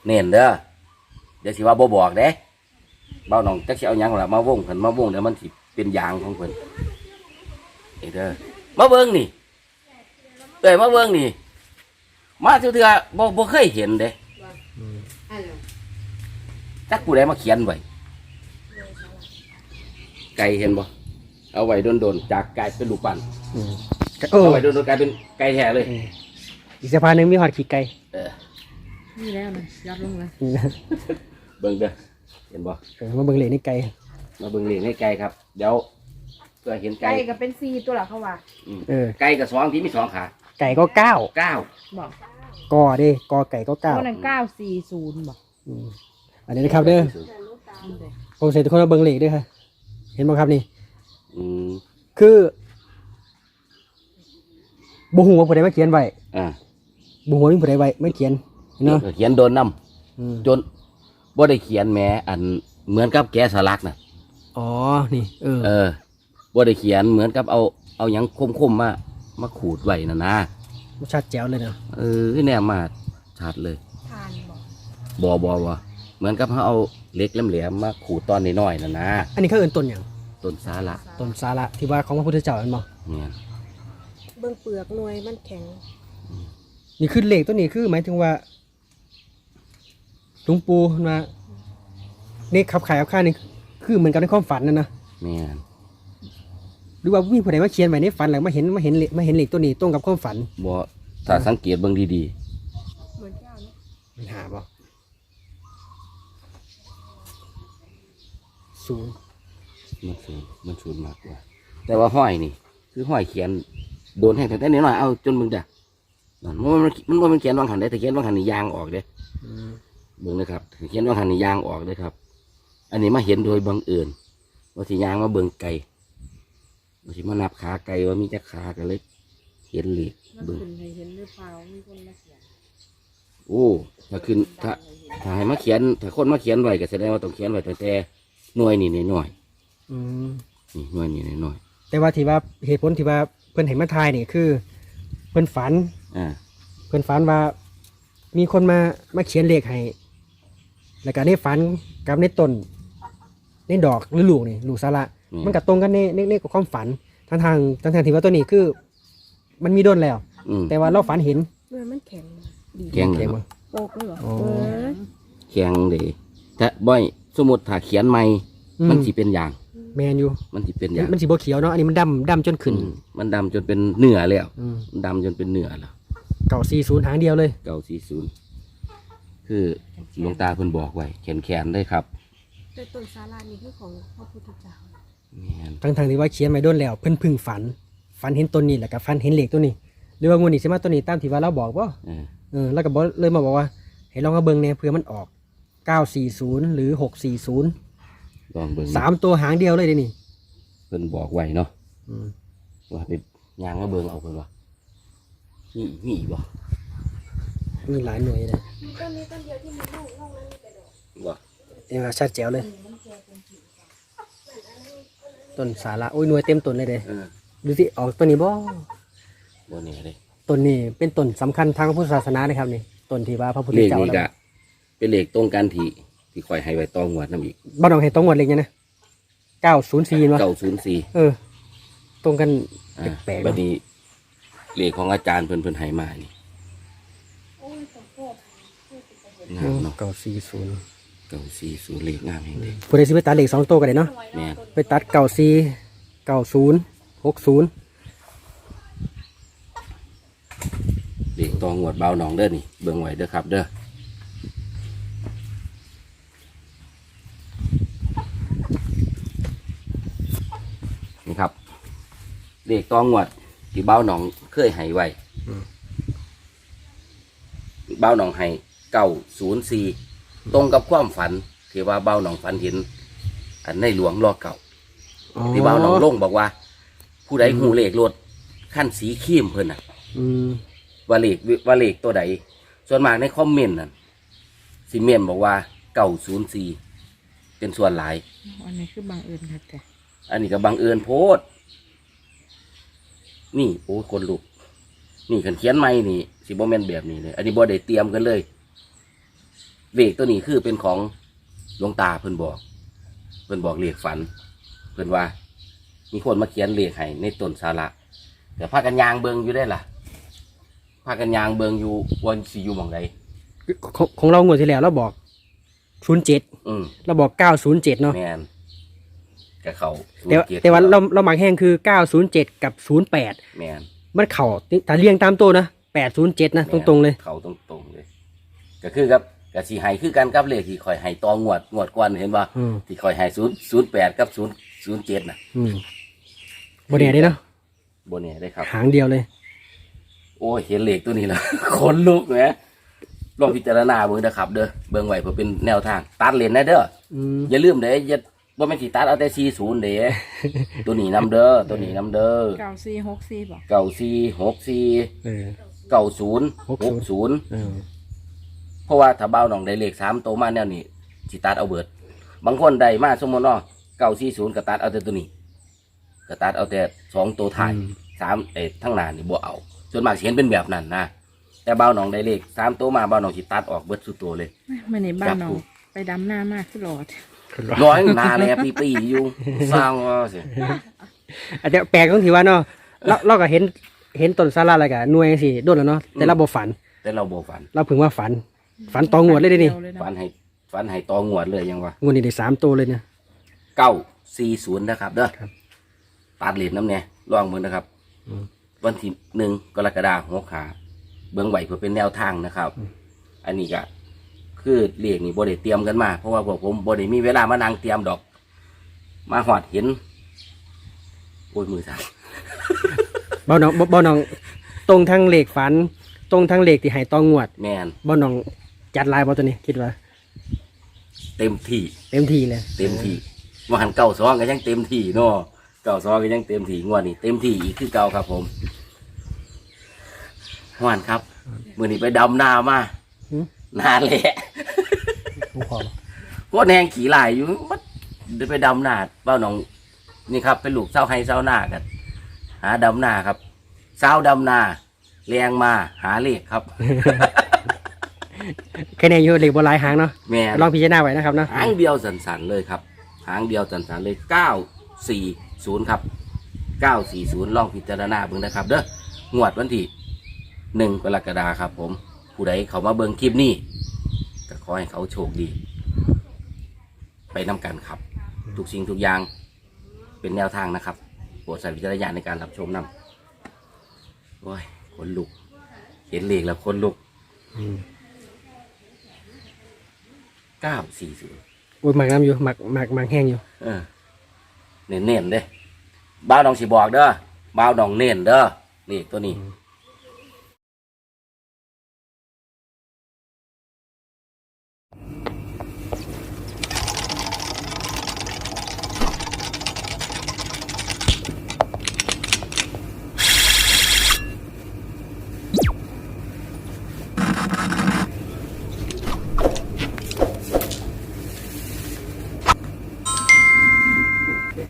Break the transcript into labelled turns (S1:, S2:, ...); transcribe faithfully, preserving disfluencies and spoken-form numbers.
S1: เน้นเด้อเดี๋ยวสิว่าบ่บอกเด้เบ้าน้องจักสิเอาหยังล่ะมาวงเพิ่นมาวงเดี๋ยวมันสิเป็นยางของเพิ่นเด้อมาเบิ่งนี่เอ้ยมาเบิ่งนี่มาเทื่อๆบ่บ่เคยเห็นเด้จักผู้ใดมาเขียนไว้ไก่เห็นบ่เอาไว้โดนๆจากไก่เป็นลูกปั้นเอาไว้โดนๆกลายเป็นไก่แท้เลย
S2: อีกสะพานหนึ่งมีหอดขี้ไก่
S1: เออ
S3: นี่แล้วนะยัดลงเลย
S1: เบิ่งเด้อเห็นบ่
S2: มาเบิ่งเหล็กในไก่
S1: มาเบิ่งเหล็กในไก่ครับเดี๋ยวเพื่อเห็นไก่
S3: ไก่ก็เป็นซีตัวหลักเขาว่า
S1: เออไก่กับสองที่มีสองขา
S2: ไก่ก็เก้า
S1: เก้า
S3: บอก
S2: กอเด้กอไก่ก็เก้า
S3: วันนั้นเก้าสี่ศูนย์บอก
S2: อันนี้นะครับเด้อผมเสร็จทุกคนมาเบิ่งเหล็กด้วยค่ะเห็นบ่ครับนี่คือบุหัวผู้ใดมาเขียนไว้
S1: อ่า
S2: บุหัวมีผู้ใดไว้ไม่เขียนเนาะ
S1: เขียนโดนน้ำจนบ่ได้เขียนแม้อันเหมือนกับแกะสลักน่ะ
S2: อ๋อนี่เออ
S1: เออบ่ได้เขียนเหมือนกับเอาเอาหยังคมๆมามาขูดไว้น่ะนะ
S2: ชัดแจ๋วเลยเนาะ
S1: เออแน่มาชัดเลย
S3: ทาน
S1: บ่บ่บ่เหมือนกับเขาเอาเล็กแหลมๆมาขูดตอนน้อยๆน่ะนะ
S2: อันนี้เขาเอิ้นต้นหยัง
S1: ต้นสาระ
S2: ต้นสาระที่ว่าของพระพุทธเจ้าเป็นบ่
S1: เนี่ย
S3: เบื้องเปลือกหน่วยมันแข็ง
S2: นี่คือเหล็กตัวนี้คือหมายถึงว่าหลวงปู่มาเนี่ยขับขายเอาค่านี่คือเหมือนกับในความฝันนั่นนะ
S1: เนี่ย
S2: หรือว่ามีผู้ใดมาเขียนไว้ในฝันแล้วมาเห็นมาเห็นมาเห็นเหล็กตัวนี้ตรงกับความฝัน
S1: บ่ถ้าสังเกตเบิ่งดี
S3: ๆเหมือนเจ้าเนาะ
S2: มันหาบ่ศูนย์
S1: มันศูนย์มันศูนย์มากกว่าแต่ว่าห้อยนี่คือห้อยเขียนโดนแห้งแต่นิดหน่อยเอาจนมึงจ้ะมันมันมันมันเขียนวางหันได้แต่เขียนวางหันนี่ยางออกเด้เบิ่งนะครับเขียนวางหันนี่ยางออกเด้ครับอันนี้มาเห็นโดยบังเอิญว่าที่ยางมาเบิ่งไก่ว่าที่มานับขาไก่ว่ามีจักขากันเลยเห็นเหล็ก
S3: เบิ่งเห็นหรือเปล่ามีคนมาเขียน
S1: โอ้ถ้าขึ้นถ้าถ้าให้มาเขียนถ้าคนมาเขียนไว้ก็แสดงว่าต้องเขียนไว้แต่แต่หน่วยนี่หน่อยนี่หน่วยนี่หน่อย
S2: แต่ว่าที่ว่าเหตุผลที่ว่าเพิ่นเห็นมาทายนี่คือเพิ่นฝัน
S1: อ่า
S2: เพิ่นฝันว่ามีคนมามาเขียนเลขให้แล้วก็ในฝันกับในต้นในดอกหรือลูกนี่ลูกสาระมันก็ตรงกันในในในกับความฝันทางทางทางทางที่ว่าตัวนี้คือมันมีด้นแล้วแต่ว่าเราฝันเห็น
S3: มันแข็ง
S1: แข็งเลย
S3: โป๊กเลยเหรอ
S1: แข็งเลยแต่บ่อยสมมติถ้าเขียนใหม่มันสิเป็นอย่าง
S2: แมนอยู่
S1: มันสิเป็นอย่าง
S2: มันสิบ่เขียวเนาะอันนี้มันดำดำจนขึ้น
S1: มันดำจนเป็นเนื้อแล้วมันดำจนเป็นเนื้อแล้ว
S2: เก่าสี่ศูนย์หางเดียวเลย
S1: เก่าสี่ศูนย์คือหลวงตาเพิ่นบอกไว้แขนแขนได้ครับ
S3: แต่ต้นสารานี่คือของพระพุทธเจ้า
S2: ทั้งทางที่ว่าเขียนไม่ด้นแล้วเพิ่นพึ่งฝันฝันเห็นต้นนี้แหละกับฝันเห็นเหล็กตัวนี้หรือว่างูนี่ใช่ไหมต้นนี้ตามที่ว่าเราบอกว่าเออแล้วก็บอกเลยมาบอกว่าให้ลองมาเบิ่งเนี่ยเผื่อมันออกเก้าสี่ศูนย์หรือหกสี่ศูนย์
S1: ลองเบิ่ง
S2: สามตัวหางเดียวเลยเดี๋ยวนี้
S1: เพิ่นบอกไว้เนาะว่าเป็นยางมาเบิ่งเอาเพิ่นว่านี่มีบ่
S2: มีหลายหน่วยเลย
S3: ต้นนี้ต้นเดียวที่มีลูกลูกนั้นมีแต่ดอก
S1: บ่
S2: เองชัดแจ๋วเลยต้นสาระโอ้ยหน่วยเต็มต้นเลยเด้ดูสิออกต้นนี้บ่
S1: บ่นี่เลย
S2: ต้นนี้เป็นต้นสำคัญทางพุทธศาสนานะครับนี่ต้นที่ว่าพระพุทธเจ้า
S1: เลขนี้ก็เป็นเลขตรงกันที่ที่คอยให้ไว้ตองวดน้ำอีก
S2: บ้านเราให้ตองวดเลขเนี้ยนะเก้าศูนย์สี่วะ
S1: เก้าศูนย์สี่
S2: เออตรงกันแปลก
S1: ๆบัดนี้เลขของอาจารย์เพิ่นเพิ่นให้มานี่
S2: งามเนาะเก้าสี่ศูนย์
S1: เก้าสี่ศูนย์เลขงามเองเด้
S2: ผู้ใดสิไปตัดเลขสองตัวกันเลยเนาะไปตัดเก้าสี่เก้าศูนย์หกศูนย์
S1: เลขตองวดเบาหนองเด้อนี่เบิ่งไว้เด้อครับเด้อนี่ครับเลขตองวดที่เบาหนองเคยให้ไว้เบาหนองให้เก้าศูนย์สี่ตรงกับความฝันที่ว่าเบาหนองฝันเห็นอันในหลวงรอเก่าที่เบาหนองลงบอกว่าผู้ใดหูเลขรถขั้นสีขีมเพิ่นน่ะว่าเลขว่าเลขตัวใดส่วนมากในคอมเมนต์นั่นซีเมนบอกว่าเก้าศูนย์สี่เป็นส่วนหลาย
S3: อันนี้คือบังเอิญครับแต่
S1: อันนี้ก็บังเอิญโพดนี่โอ้คนลุกนี่ขันเขียนไม่นี่สิบ่แม่นแบบนี้เลยอันนี้บ่ได้เตรียมกันเลยเลขตัวนี้คือเป็นของหลวงตาเพิ่นบอก เพิ่นบอกเลขฝัน เพิ่นว่า มีคนมาเขียนเลขให้ในต้นสาระแต่พากันยางเบิงอยู่ได้ล่ะพากันยางเบิงอยู่วันสิอยู่หม่องใด
S2: ของของเรางวดที่แล้วเราบอกศูนย์เจ็ด
S1: อืม
S2: เราบอกเก้าศูนย์เจ็ดเนาะ
S1: แม่นกับเขา
S2: แต่ว่าแต่ว่าเราเราหมักแห้งคือเก้าศูนย์เจ็ดกับศูนย์แปด
S1: แม่น
S2: มันเข่าถ้าเรียงตามตัวนะแปดศูนย์เจ็ดนะตรงๆเลย
S1: เขาตรงๆเลย ก็คือกับกับสีไห้คือกันกับเลขที่คอยไห้ตองวดงวดกวนเห็นป่ะ
S2: อืม
S1: ที่คอยไห้ศูนย์ศูนย์แปดกับศูนย์ศูนย์เจ็ดน่ะ
S2: อืมบนแหน่ได้เนาะ
S1: บนนี้ได้ครับ
S2: หางเดียวเลย
S1: โอ้ยเห็นเลขตัวนี้แล้ว ขนลุกแหมลองพิจารณาเบิ่งนะครับ เด้อเบิ่งไว้เพื่อเป็นแนวทาง ตัดเลนนะเด้อ
S2: อืม
S1: อย่าลืมเด้ออย่าว่าไม่นสิตัดเอาแต่สี่ศูนย์เด้ ตัวนี้นำเด้อตัวนี้นำเด้อ
S3: เก้าสี่หกสี่บอก
S1: เก้าสี่หกสี่
S2: เออ
S1: เก้าศูนย์
S2: ห
S1: ห
S2: กศู
S1: ก
S2: นย์
S1: ศูนย์
S2: เออ
S1: เพราะว่าถ้าเบ้าหนองได้เลขสามโตวมาแนวนี้สิตัดเอาเบิด บางคนได้มาสมมติเนาะเก้าสี่ศูนย์ก็ตัดเอาแต่ตัวนี้ก็ตัดเอาแต่สองตัวถ่ายสามเอ็ดทั้งหน้านี่บ่เอาส่วนมากสิเห็นเป็นแบบนั้นนะแต่เบ้าหนองได้เลขสามตัวมาเบ้าหนองสิตัดออกเบิดสุดตัวเลย
S3: มาในบ้านน้อ
S1: ครั
S3: ง
S1: บ
S3: ไปดำหน้ามากขึ้นหลอด
S1: ร้อยหนาแลปีปีๆอยู่สร้างว่าสิ
S2: อาจจะแปลกตรงที่ว่าเนาะเราเราก็เห็นเห็นต้นสาระอะไรกันหน่วยสิโดนแล้วเนาะแต่เราบ่ฝัน
S1: แต่เราบ่ฝัน
S2: เราเพิ่งว่าฝัน ฝันตองงวดเลยเด้นี่
S1: ฝันให้ฝันให้ตองวดเลยยังว่าง
S2: วดนี้ได้สามตัวเลยเนี่ย
S1: เก้าสี่ศูนย์นะครับเด้อ
S2: ครับ
S1: ตัดเหรียญน้ำเนี่ยลองเบิ่งนะครับ
S2: อืม
S1: วันที่หนึ่งกรกฎาคมหัวขาเบิ่งไหวเพื่อเป็นแนวทางนะครับ อันนี้ก็คือเรียกนี่บ่ได้เตรียมกันมาเพราะว่าพวกผมบ่ได้มีเวลามานั่งเตรียมดอก มาหอดเห็นโอ้ยมือสั่น
S2: บ่น้องบ่บ่น้องตรงทางเลขฝัน ตรงทางเลขที่ให้ตองงวด
S1: แมน
S2: บ่น้องจัดลายบ่ตัวนี้คิดว่า
S1: เต็มที่
S2: เต็มที่เลย
S1: เต็มที่ว่าหันเก่าซองก็ยังเต็มที่เนาะเก่าซองก็ยังเต็มที่งวดนี้เต็มที่อีกคือเก่าครับผมหวานครับมือนี้ไปดำนามา
S2: หืม
S1: นาแหละ
S2: ผมขอ
S1: โคตรแหงขี่หลายอยู่มันเดินไปดำนาเป้าหนองนี่ครับเป็นลูกเศร้าให้เศร้าหน้ากัน หาดำนาครับเศร้าดำนาแรงมาหาเลขครับ
S2: แค่นี้อยู่เลขบ่หลายหางเนาะ
S1: แม่
S2: ลองพิจารณาไว้นะครับเนาะ
S1: หางเดียวสันๆเลยครับหางเดียวสันๆเลยเก้าสี่ศูนย์ครับเก้าสี่ศูนย์ลองพิจารณาเบิ่งนะครับ เด้องวดวันที่หนึ่งกรกฎาคมครับ ผม ผู้ใดเขามาเบิ่งคลิปนี้ก็ขอให้เขาโชคดี ไปนำกันครับ ทุกสิ่งทุกอย่างเป็นแนวทางนะครับโปรดใช้วิจารณญาณในการรับชมนำโอ้ยขนลุก เห็นเลขแล้วขนลุก
S2: อืม
S1: เก้าสี่ศูนย์
S2: โอ้ยหมักน้ำอยู่หมักหมักหมักแห้งอยู่
S1: เออเน้นๆเด้บ้าวดองสิบอกเด้อบ้าวดองเน้นเด้อนี่ตัวนี้